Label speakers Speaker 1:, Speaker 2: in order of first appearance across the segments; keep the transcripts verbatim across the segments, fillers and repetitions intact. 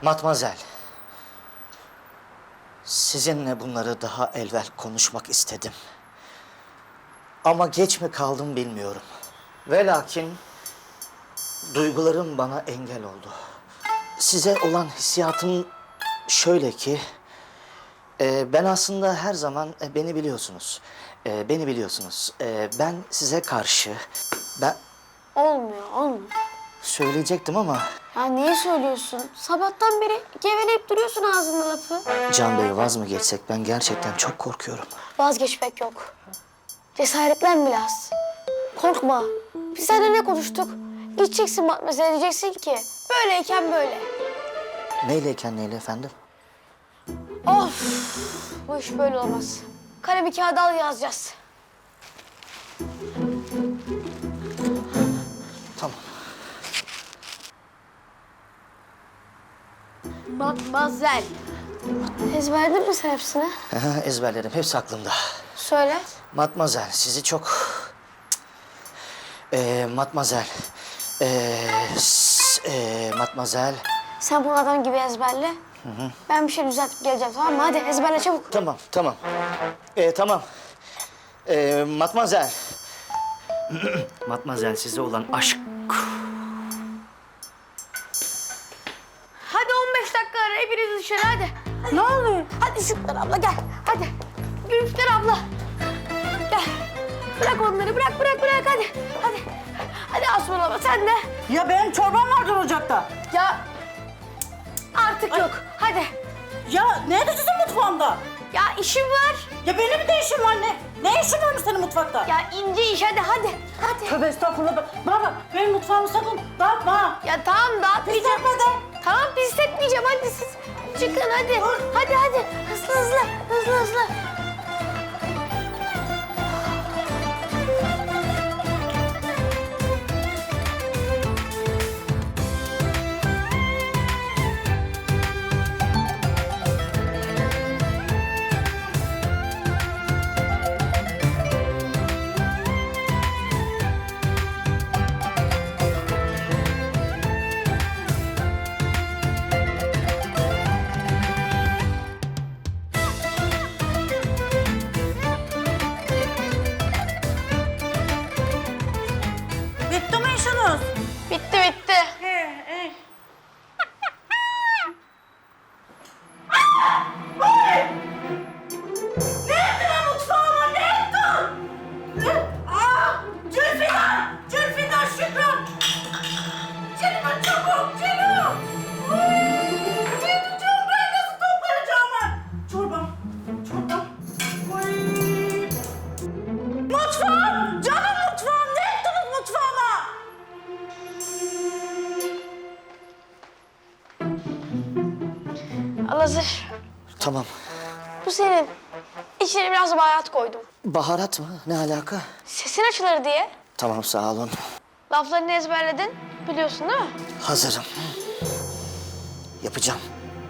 Speaker 1: Matmazel. Sizinle bunları daha evvel konuşmak istedim. Ama geç mi kaldım bilmiyorum. Ve lakin duygularım bana engel oldu. Size olan hissiyatım şöyle ki... E, ben aslında her zaman e, beni biliyorsunuz. E, beni biliyorsunuz. E, ben size karşı... Ben
Speaker 2: Olmuyor, olmuyor.
Speaker 1: söyleyecektim ama...
Speaker 2: Ya niye söylüyorsun? Sabahtan beri geveleyip duruyorsun ağzında lafı.
Speaker 1: Can Bey, vaz mı geçsek? Ben gerçekten çok korkuyorum.
Speaker 2: Vazgeçmek yok. Cesaretlen biraz. Korkma. Biz seninle ne konuştuk? Gideceksin Matmazel'e diyeceksin ki böyleyken böyle.
Speaker 1: Neyleyken neyle efendim?
Speaker 2: Of! Bu iş böyle olmaz. Kalemi kağıda al yazacağız.
Speaker 1: Tamam.
Speaker 2: Matmazel. Ezberledin mi sen hepsini?
Speaker 1: Ezberlerim. Hepsi aklımda.
Speaker 2: Söyle.
Speaker 1: Matmazel, sizi çok... Ee, Matmazel. Ee, s- ee, Matmazel.
Speaker 2: Sen bunu adam gibi ezberle. Hı hı. Ben bir şey düzeltip geleceğim, tamam mı? Hadi ezberle çabuk.
Speaker 1: Tamam, tamam. Ee, tamam. Ee, Matmazel. Matmazel, size olan aşk...
Speaker 2: Hadi on beş dakika ara, hepiniz dışarı hadi. Ne oluyor? Hadi Şükran abla gel, hadi. Gülüşler abla. Gel. Bırak onları, bırak, bırak, bırak hadi. Hadi. Hadi Asuman abla sen de.
Speaker 3: Ya benim çorbam vardır ocakta.
Speaker 2: Ya artık yok. Hadi.
Speaker 3: Ya nerede sizin mutfağımda?
Speaker 2: Ya işim var.
Speaker 3: Ya benim de işim var ne? Ne işin varmış senin mutfakta?
Speaker 2: Ya ince iş hadi hadi. Hadi.
Speaker 3: Tövbe estağfurullah. Bana bak benim mutfağımı sakın dağıtma ha.
Speaker 2: Ya tamam dağıtmayacağım.
Speaker 3: Pisletme de.
Speaker 2: Tamam pis etmeyeceğim hadi siz. Çıkın hadi. Hadi hadi. Hızlı hızlı. Hızlı hızlı.
Speaker 3: Bitti mi işiniz?
Speaker 2: Bitti bitti.
Speaker 3: He, he. Ne ettin lan mutfağıma? Ne ettin? Aa! Zülfikar! Zülfikar Şükran! Celime çabuk! Celime! Ne edeceğim ben? Nasıl toplayacağım ben? Çorbam! Çorbam! Oy! Mutfağım! Canım mutfağım! Ne ettiniz mutfağıma?
Speaker 2: Al hazır.
Speaker 1: Tamam.
Speaker 2: Bu senin. İçine biraz baharat koydum.
Speaker 1: Baharat mı? Ne alaka?
Speaker 2: Sesin açılır diye.
Speaker 1: Tamam, sağ olun.
Speaker 2: Laflarını ezberledin. Biliyorsun değil mi?
Speaker 1: Hazırım. Yapacağım.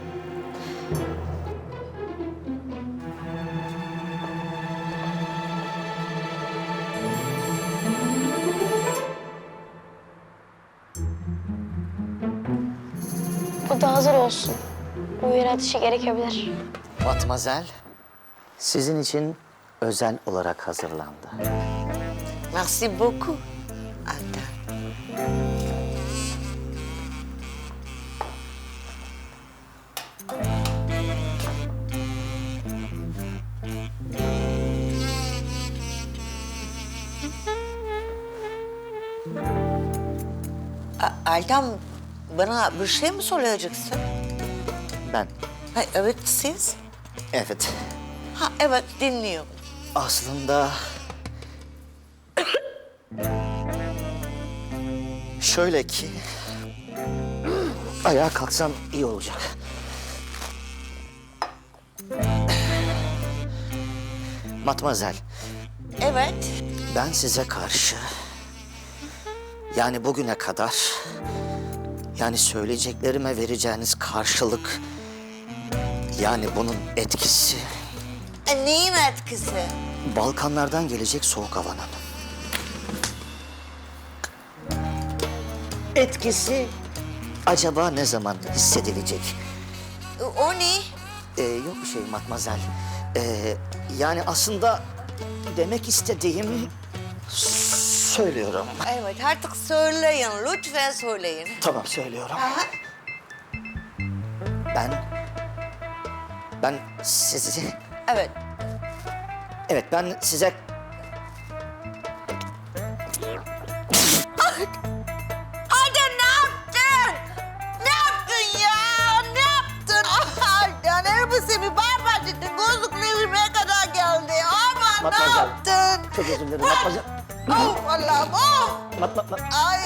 Speaker 2: Bu da hazır olsun. Uyarı atışı gerekebilir.
Speaker 1: Matmazel, sizin için özel olarak hazırlandı.
Speaker 4: Merci beaucoup, Altan. A- Altan, bana bir şey mi söyleyeceksin?
Speaker 1: Ben,
Speaker 4: Ha, evet siz.
Speaker 1: evet.
Speaker 4: Ha evet dinliyorum.
Speaker 1: Aslında... Şöyle ki... Ayağa kalksam iyi olacak. Matmazel,
Speaker 4: Evet.
Speaker 1: ben size karşı... Yani bugüne kadar... Yani söyleyeceklerime vereceğiniz karşılık... Yani bunun etkisi...
Speaker 4: E, neyin etkisi?
Speaker 1: Balkanlardan gelecek soğuk havanın. Etkisi acaba ne zaman hissedilecek?
Speaker 4: O ne?
Speaker 1: Ee, yok bir şey matmazel. Ee, yani aslında demek istediğim söylüyorum.
Speaker 4: Evet artık söyleyin. Lütfen söyleyin.
Speaker 1: Tamam söylüyorum. Ben ben sizi
Speaker 4: Evet.
Speaker 1: evet ben size
Speaker 4: Adem ne yaptın? Ne yaptın ya? Ne yaptın? Adem elbisemi barbacıktın. Gözlüklerime kadar geldi. Aman ne
Speaker 1: Matmazel.
Speaker 4: yaptın?
Speaker 1: çok özür dilerim matmazel.
Speaker 4: Oh Allah'ım oh.
Speaker 1: Mat, mat, mat.
Speaker 4: Ay